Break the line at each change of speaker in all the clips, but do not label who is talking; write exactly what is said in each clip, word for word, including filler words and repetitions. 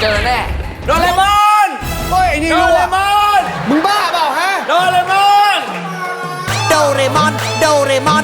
เจอแน่โดเรมอน
เฮ้ยไอ้นี่
โด
รู้
เร
อะ
มอน
มึงบ้าเปล่าฮะ
โดเรมอน
โดเรมอน โดเรมอน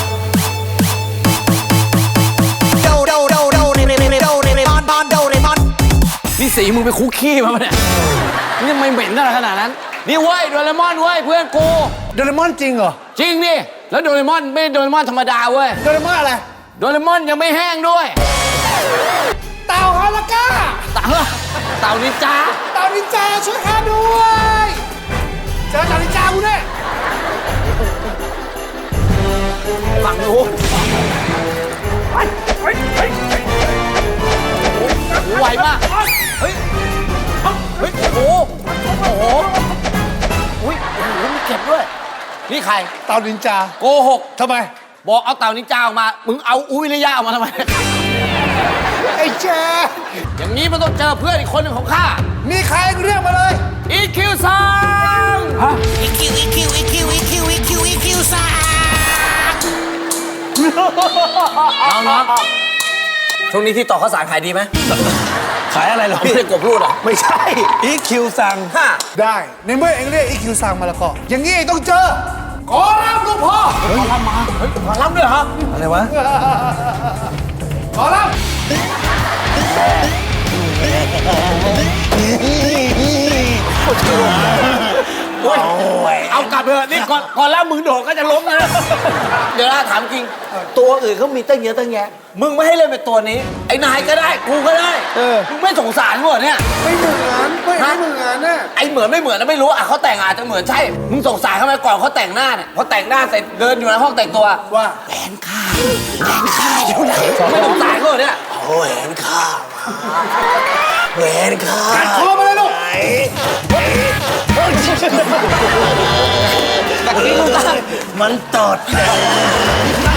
โดโดโดโดเรเรเรโดเรเรมอนบอนโดเรมอน
นี่สีมึงไปคุกขี้มาปะเนี่ยนี่ทำไมเหม็นอะไรขนาดนั้น นี่เว้ยโดเรมอนเว้ยเพื่อนกู
โดเรมอนจริงเหรอ
จริงดิแล้วโดเรมอนไม่โดเรมอนธรรมดาเว้ย
โดเรมอนอะไร
โดเรมอนยังไม่แห้งด้วย
เต่าฮาราก้า
เต่าเต่านินจา
เต่านินจาช่วยข้าด้วยเจอเต่านินจากูแน่
ฝั่งนู้นไวมากเฮ้ยเฮ้ยโอ้โหโอ้โหอุ้ยโอ้โหมีเก็บด้วยนี่ใคร
เต่านินจา
โกหก
ทำไม
บอกเอาเต่านินจาออกมามึงเอาอุ้ยระยะออกมาทำไม
ไอ้แจ๊
อย่างนี้มันต้องเจอเพื่อนอีกคนหนึ่งของข้า
มีใครเรียกมาเลย
อีคิวซัง
อีคิวอีคิวอีคิวอีคิวอีคิวอีคิวซ่า
น้องน้องช่วงนี้ที่ต่อข้าวสารขายดีไหม
ขายอะไรเหรอ
ไม่
พี่
ใช่กบรูดเหรอ
ไม่ใช่อีคิวสั่ง
ฮ่า
ได้ในเมื่อเองเรียกอีคิวซังมาแล้วก็อย่างนี้เองต้องเจอขอรับลูกพ่อ
ขอรับมาเฮ้ยขอรับด้วยเหรอ
อะไรวะ
ขอรับ
เอากลับเถอะนี่ก่อนก่อนแล้วมึงโดดก็จะล้มนะเดี๋ยวนะถามจริง
ตัวอื่นเขามีตั้งเยอะตั้งแยะ
มึงไม่ให้เล่นเป็นตัวนี้ ไอ้นายก็ได้กูก็ได้
เออ
มึงไม่สงสารกูเหรอเนี่ย
ไม่เหมือนไม่ไม่เหมือนน่ะ
ไอ้เหมือนไม่เหมือนนะไม่รู้อ่ะเขาแต่งอาจจะเหมือนใช่ มึงสงสารเขาไหมก่อนเขาแต่งหน้าเนี่ยเขาแต่งหน้าเสร็จเดินอยู่ในห้องแต่งตัว
ว่า
แหวนข้าแหวนข้าอยู่ไหน
ไม่สงสารเขาเหรอเนี่ย
โอ้แหวนข้าแหวนข้า
กัดคอมาเลยลูก
มันตด
น